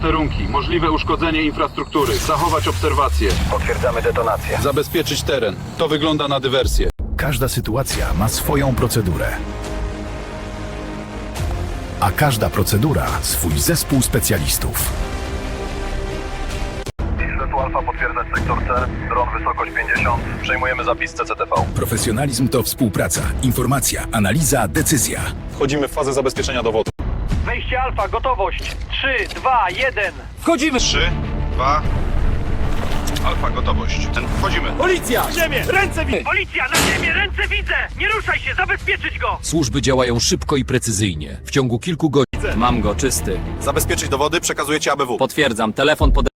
posterunki. Możliwe uszkodzenie infrastruktury. Zachować obserwacje. Potwierdzamy detonację. Zabezpieczyć teren. To wygląda na dywersję. Każda sytuacja ma swoją procedurę. A każda procedura swój zespół specjalistów. Isletu Alfa potwierdzać sektor C. Dron wysokość 50. Przejmujemy zapis CCTV. Profesjonalizm to współpraca, informacja, analiza, decyzja. Wchodzimy w fazę zabezpieczenia dowodu. Wejście Alfa, gotowość. 3, 2, 1. Wchodzimy! 3, 2... Alfa, gotowość. Wchodzimy. Policja! Na ziemię! Ręce widzę! Policja! Na ziemię! Ręce widzę! Nie ruszaj się! Zabezpieczyć go! Służby działają szybko i precyzyjnie. W ciągu kilku godzin. Mam go, czysty. Zabezpieczyć dowody, przekazujecie ABW. Potwierdzam, telefon pod...